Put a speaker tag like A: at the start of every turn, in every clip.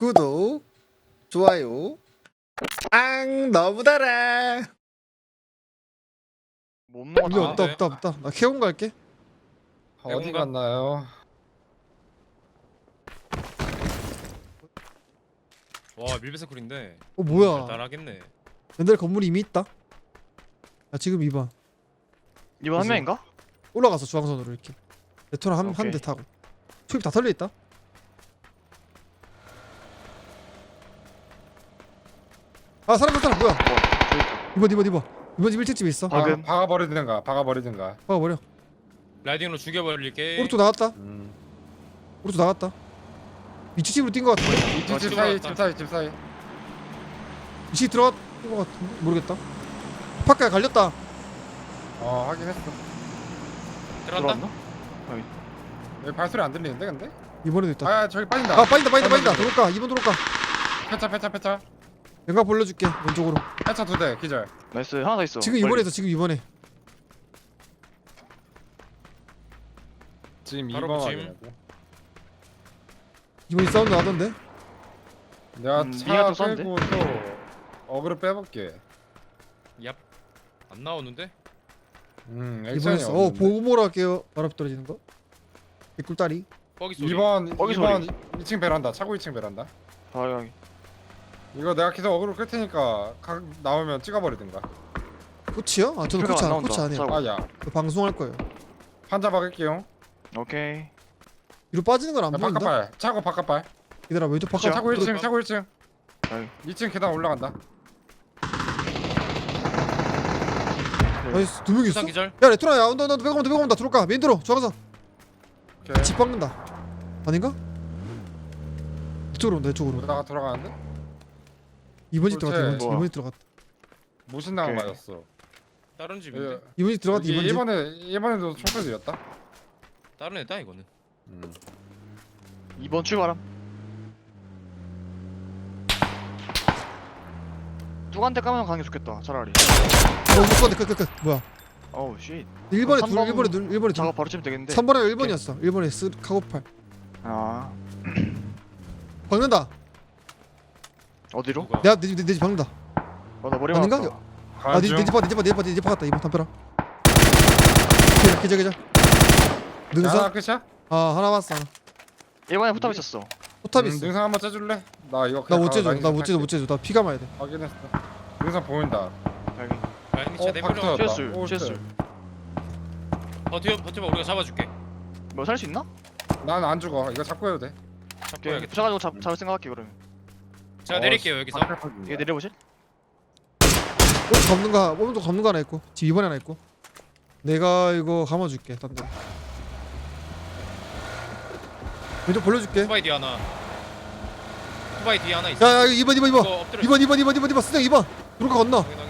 A: 구독, 좋아요. 앙 너무 달아.
B: 못 먹어.
A: 이게 없다. 나 캐온 갈게.
C: 어디 갔나요?
D: 와 밀배서클인데
A: 뭐야?
D: 달달하겠네.
A: 옛날 건물이 이미 있다. 야 지금 2번
B: 이번 한 명인가?
A: 올라가서 중앙선으로 이렇게 레토나 한
B: 오케이.
A: 대 타고 수입 다 털려 있다. 아 사람 뭐야?
B: 저기 있다.
A: 이번 집 1층집에 있어.
B: 방금.
C: 박아버리든가.
A: 버려.
D: 라이딩으로 죽여버릴게.
A: 오른쪽 나갔다. 오른쪽 나갔다. 이층 집으로 뛴 거 같은데?
C: 이집 집 사이.
A: 이층 들어갔던 거 같은데? 모르겠다. 파카에 갈렸다.
C: 확인했어.
D: 들어간다.
B: 들어왔나?
C: 여기 발소리 안 들리는데 근데?
A: 이번에도 있다.
C: 아 저기 빠진다.
A: 아 빠진다. 들어올까? 2번 들어올까?
C: 패차.
A: 연각 벌려줄게 왼쪽으로.
C: 패차 2대 기절.
B: 나이스. 하나 더 있어.
A: 지금
B: 멀리.
A: 이번에 있어. 지금 이번에.
C: 지금
D: 바로
C: 2번
D: 붙임.
C: 확인하고.
A: 이번에 사운드 나던데?
C: 내가
B: 니가 또
C: 차
B: 쐈는데?
C: 끌고 또 어그로 빼볼게.
D: 얍. 안 나오는데?
A: 이번에
C: 액션이
A: 있어.
C: 없는데.
A: 보고모로 할게요. 바로 앞에 떨어지는 거. 개꿀다리.
D: 뻐기 소리.
C: 2번
B: 거기
C: 2번 2층 베란다. 차고 2층 베란다.
B: 여기.
C: 이거 내가 계속 어그로 끌 테니까 나오면 찍어버리든가.
A: 코치요? 아 저는
B: 표가
A: 코치
B: 안
A: 안 코치
B: 나온다.
A: 안 해요.
B: 싸워.
C: 아야.
A: 그 방송할 거예요.
C: 환자 박을게요.
B: 오케이.
A: 뒤로 빠지는 건 안 보인다.
C: 바깥발. 차고 바깥발.
A: 얘들아 왼쪽 바깥.
C: 차고 1층
D: 들어가.
C: 차고 1층.
B: 여기.
C: 2층 계단 올라간다.
A: 나이스. 2명 있어.
D: 수상 기절.
A: 야 레토나 야 온다. 배고픈다. 들어올까? 메인 들어. 좋아서.
C: 오케이.
A: 집 박는다. 아닌가? 이쪽으로 온다. 이쪽으로.
C: 오다가 돌아가는데?
A: 2번 집 들어갔다.
C: 그렇지.
A: 2번 집 들어갔다.
C: 무신당
B: 오케이.
C: 맞았어.
D: 다른 집인데.
A: 2번 집 들어갔다. 2번 집.
C: 이번에도 총소리 들렸다.
D: 다른 애다 이거는.
B: 2번 출발함. 누구한테 까면 가는 게 좋겠다. 차라리.
A: 못 가네. 끝. 뭐야?
B: 어우 쉣.
A: 1번에
B: 삼
A: 둘.
B: 번
A: 1번에 둘. 1번에 둘.
B: 작업 바로 치면 되겠는데.
A: 3번에 1번이었어. 1번에 스 카고팔.
B: 아.
A: 박는다.
B: 어디로?
D: 누가?
A: 내가 내집 박는다.
B: 나 머리
A: 아닌가?
B: 맞았다.
A: 아, 내집 박았다. 2번 담벼라. 계절. 능선?
C: 하나 끝이야?
A: 하나 봤어. 하나.
B: 1번에 포탑 있었어.
A: 포탑 있어.
C: 능선 한번 째줄래? 나 이거
A: 나
C: 그냥
A: 못 재줘.
C: 라인
A: 나 못
C: 할게.
A: 재줘. 나 피가 마야 돼.
C: 확인했어. 능선 보인다.
B: 여기.
D: 라이딩 차 내버려.
C: 박터.
B: 쬐술.
C: 오,
B: 쬐술.
D: 버텨봐 우리가 잡아줄게.
B: 뭐 살 수 있나?
C: 난 안 죽어. 이거 잡고 해도 돼.
D: 잡고
B: 오케이.
D: 해야겠다.
B: 붙여가지고 잡을 생각할게 그러면.
D: 제가 내릴게요 여기서.
B: 얘 내려보실?
A: 오른쪽 접는 거 하나 있고. 집 2번에 하나 있고. 내가 이거 감아줄게. 딴 데. 왼쪽 벌려줄게.
D: 투바이 뒤에 하나. 투바이 뒤에 하나 있어.
A: 야 2번.
D: 이거 엎드려.
A: 2번. 스낵 2번. 누르까 건너.
D: 확인.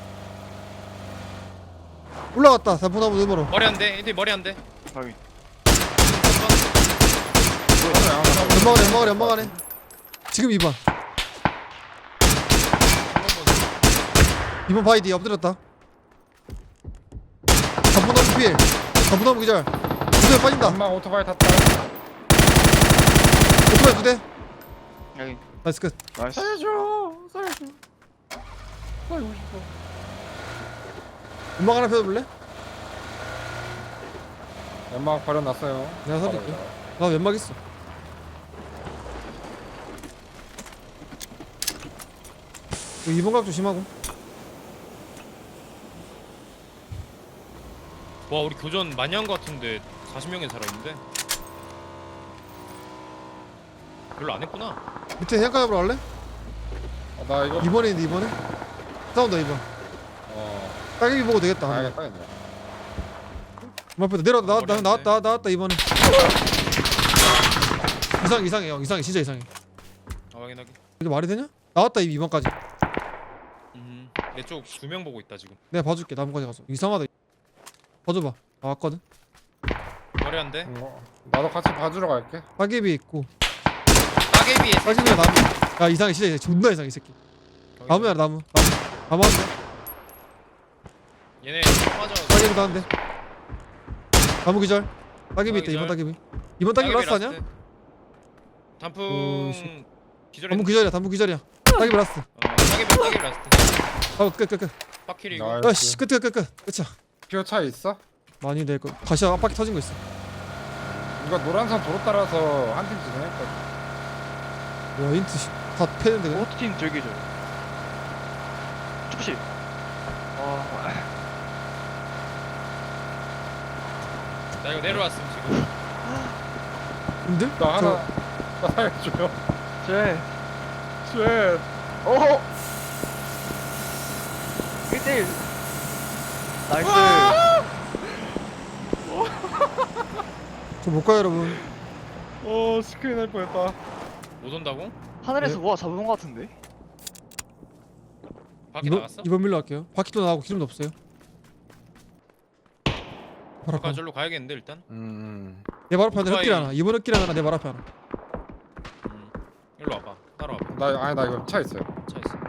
A: 올라갔다. 4분 나무 넘어로.
D: 머리 한 대. 인티 머리 한 대.
B: 여기.
A: 연막하네. 지금 2번. 2번 바이디 엎드렸다. 4분 나무 피해. 4분 나무 기절. 2대 빠진다.
C: 엄마 오토바이 탔다.
A: 오토바이 2대.
B: 여기.
A: 나이스 끝.
B: 나이스.
C: 살려줘. 살고 싶어.
A: 연막 하나 펴볼래?
C: 연막 버려놨어요.
A: 내가 살릴게. 나 연막 있어. 여기 2번 각 조심하고.
D: 와 우리 교전 많이 한 거 같은데 40명이 살아있는데. 별로 안 했구나.
A: 밑에 해안가 잡으러 갈래?
C: 나 이거
A: 2번에 있는데 2번에? 싸운다 2번. 따개비 보고 되겠다.
C: 가야겠다 이제.
A: 앞에다 나왔다 2번에. 이상해 형. 진짜 이상해.
D: 확인하게.
A: 이게 말이 되냐? 나왔다 2번까지.
D: 내 쪽 2명 보고 있다 지금.
A: 내가 봐줄게 나무까지 가서. 이상하다. 봐줘봐. 나왔거든.
D: 머리 한 대.
C: 나도 같이 봐주러 갈게.
A: 따개비 있고.
D: 따개비에.
A: 따개비가 나무. 야 이상해 진짜 존나 이상해 이 새끼. 나무야 나무 한 대.
D: 얘네 맞아.
A: 따개비도 한 대. 나무 기절. 따개비 있다
D: 기절.
A: 2번 따개비. 2번 따개비 라스트 아니야?
D: 단풍
A: 오, 씨.
D: 기절했.
A: 단문 기절이야 단문 기절이야. 따기 라스트.
D: 따개 라스트.
A: 끝.
D: 빡킬이고.
C: 나이스.
A: 아씨 끝이야. 끝이야.
C: 피어 차 있어?
A: 많이 내거 다시 앞바퀴 터진 거 있어.
C: 이거 노란선 도로 따라서 한 팀 진행했거든.
A: 와 인트 다 패는데 그냥.
B: 오토팀 저기 저 축구실
D: 나 이거 내려왔음 지금.
A: 힘들?
C: 나 하나 나 살려줘요.
B: 쟤
C: 쉣.
B: 어허 1대1 나이스
A: 저못 가요 여러분.
C: 스크린 할 뻔했다.
D: 못 온다고?
B: 하늘에서
A: 네.
B: 뭐가 잡은 거 같은데?
D: 밖에 나갔어?
A: 이번 밀로 할게요. 바퀴도 나가고 기름도 없어요. 바로
D: 아까
A: 앞에.
D: 절로 가야겠는데 일단.
A: 내 발 앞에 하나
D: 오토바이.
A: 흑길 하나. 이번 흑길 하나 내 발 앞에 하나.
D: 일로 와봐. 따라와봐.
C: 나 이거 차 있어요.
D: 차 있어.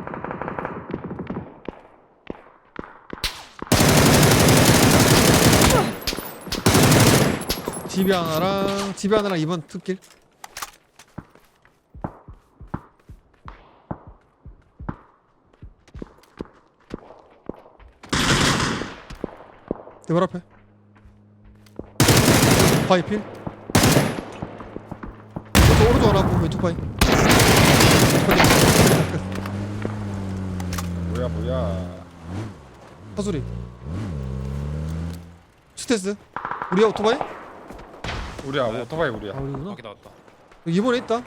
A: 집이 하나랑 이번 흑길. 내 발 앞에. 바위 필. 오른쪽 하나 보고 왼쪽 바위.
C: 뭐야.
A: 사소리. 스테스. 우리야 오토바이?
C: 우리야 오토바이 우리야.
A: 아 우리구나.
D: 밖에 나왔다.
A: 여기 이번에 있다.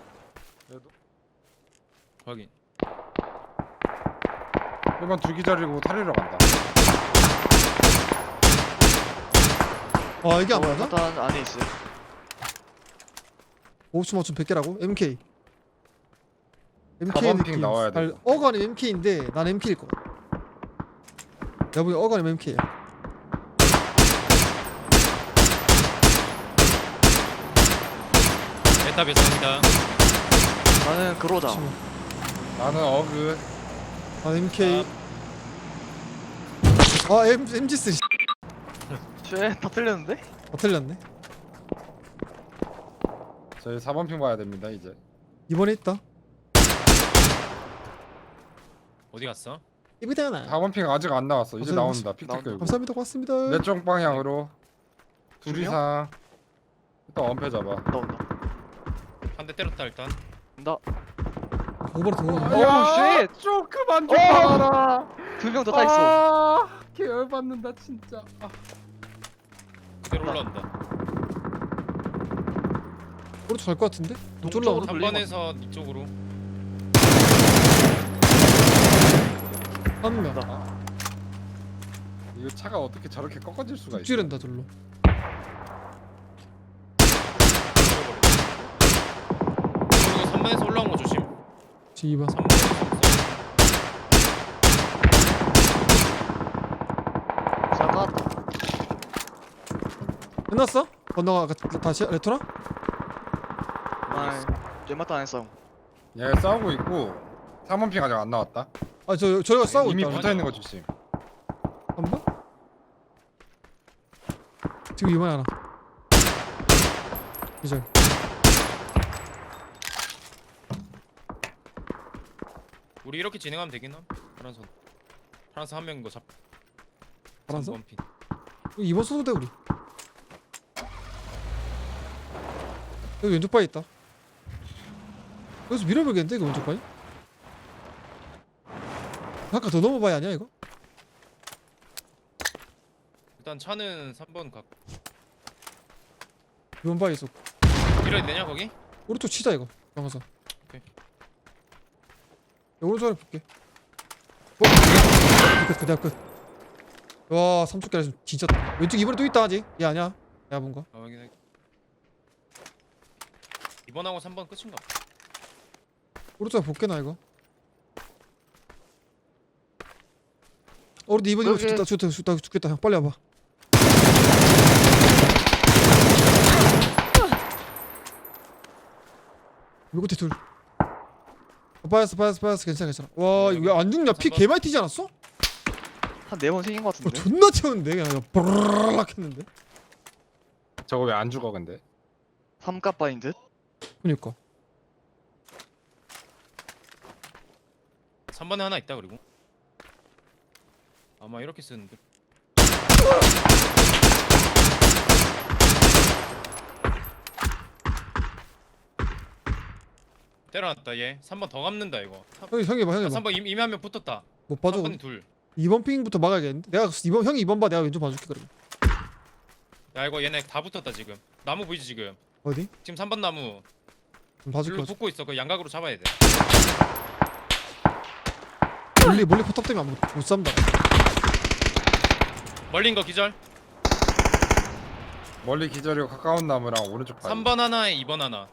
D: 확인.
C: 1번 두 기절이고 탈리러 간다.
A: 아 이게 안 맞아?
B: 일단 안에 있어요
A: 5초 맞춤 100개라고? MK.
C: 4번 핑 나와야 돼.
A: 어간이 MK인데 난 MK일 거야. 내가 보기 어간이 MK야.
D: 에타 배송입니다.
B: 나는 그로자
C: 나는 어그.
A: 난 MK. MG3
B: 쟤다 틀렸는데?
A: 다 틀렸네.
C: 저희 4번 핑 봐야 됩니다 이제.
A: 이번에 있다.
D: 어디 갔어?
A: 이브대나.
C: 4번 핑 아직 안 나왔어. 이제
A: 감사합니다.
C: 나온다. 픽 끌고.
A: 감사합니다. 고맙습니다.
C: 내 쪽 방향으로 둘
B: 두 명?
C: 이상. 일단 엄폐 잡아.
B: 나온다
D: 한 대 때렸다 일단.
B: 나
A: 오버로 더.
B: 오, 쉣!
C: 좀 그만
B: 좀
C: 봐라.
B: 2명 더 따있어
C: 계열 받는다 진짜.
D: 그대로 올라온다.
A: 오른쪽 갈것 같은데?
B: 동쪽으로
A: 쫄라.
B: 돌리고
D: 3번에서 이쪽으로.
A: 한 명.
C: 이거 차가 어떻게 저렇게 꺾어질 수가 있어?
A: 죽지른다 절로.
D: 그리고 3번에서 올라온 거 조심.
A: 지금 2번.
D: 3번에서
B: 잘 나왔다
A: 끝났어? 건너가 다시 레토나?
B: 아이 쟤맛도 안 했어
C: 얘 싸우고 있고 3번 핑 아직 안 나왔다.
A: 저희가 싸우고
C: 이미
A: 있다.
C: 붙어 있는 거 조심.
A: 한 번? 지금 2번에 하나. 이절.
D: 우리 이렇게 진행하면 되긴 함. 파란선 한 명인 거 잡.
A: 파란선?
D: 3번 핀.
A: 2번 써도 돼 우리. 여기 왼쪽 바에 있다. 여기서 밀어버리겠는데 이거 왼쪽 바에? 아까 더 넘어봐야 아니야 이거?
D: 일단 차는 3번 각.
A: 2번 바에 있어.
D: 밀어야 되냐 거기?
A: 오른쪽 치자 이거. 강화사.
D: 오케이.
A: 오른쪽에 볼게. 끝. 내가 끝. 와 3초 깨라 진짜. 왼쪽 2번에 또 있다 아직. 얘 아니야. 야 뭔가.
D: 아 확인해. 2번하고 3번 끝인가?
A: 오른쪽에 볼게 나 이거. 오른쪽 2번
B: 여기.
A: 죽겠다 형 빨리 와봐. 요 끝에 둘. 빠졌어 괜찮아. 와 이거 왜 안 죽냐? 피 개많이 튀지 않았어?
B: 한 4번 생긴 거 같은데
A: 존나 튀었는데 그냥 브르르륵 했는데.
C: 저거 왜 안 죽어 근데?
B: 3값바인 듯?
A: 그니까
D: 3번에 하나 있다 그리고 아마 이렇게 쓰는데. 때려놨다 얘. 3번 더 감는다 이거.
A: 형이 봐, 형이 봐.
D: 3번 이미 한 명 붙었다.
A: 못 봐줘.
D: 3번이 둘.
A: 2번 핑부터 막아야겠는데. 내가 2번 형이 2번 봐. 내가 왼쪽 봐줄게 그러면.
D: 야 이거 얘네 다 붙었다 지금. 나무 보이지 지금.
A: 어디?
D: 지금 3번 나무
A: 봐줄게.
D: 줄로 붙고 있어. 그 양각으로 잡아야 돼.
A: 멀리 포탑 때문에 못 쌈다.
D: 멀린 거 기절.
C: 멀리 기절이고 가까운 나무랑 오른쪽 바위.
D: 3번 하나에 2번 하나.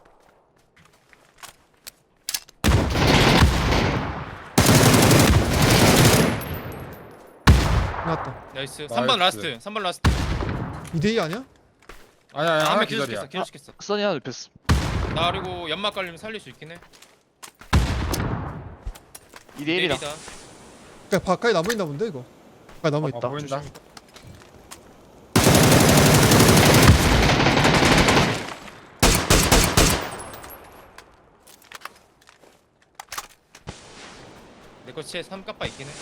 A: 나왔다.
D: 나이스.
C: 나이스.
D: 3번 라스트. 3번 라스트.
A: 2대2 아니야?
C: 아니야
D: 아,
C: 하나
D: 한명
C: 기절이야.
D: 기절시켰어. 기절시켰어.
B: 써니 하나 눕혔어.
D: 나 그리고 연막 깔리면 살릴 수 있긴 해.
B: 2대1이다.
D: 내리다.
A: 그러니까 바깥에 나무 있나 본데 이거. 바깥에 나무 있다.
C: 보인다.
D: 내거 치에 3까빠 있긴 해.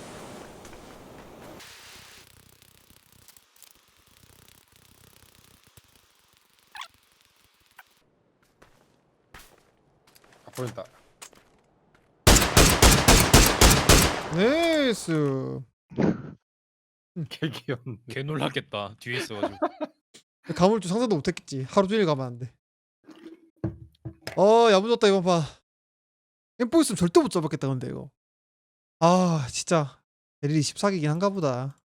C: 아, 보인다.
A: 네이스.
C: 개 귀엽네.
D: 개 놀랐겠다. 뒤에 있어가지고.
A: 감을 줄 상상도 못했겠지. 하루 종일 가면 야무졌다 이번 판. 엠포 있으면 절대 못 잡았겠다 근데 이거. 아 진짜 LL 24기긴 한가 보다.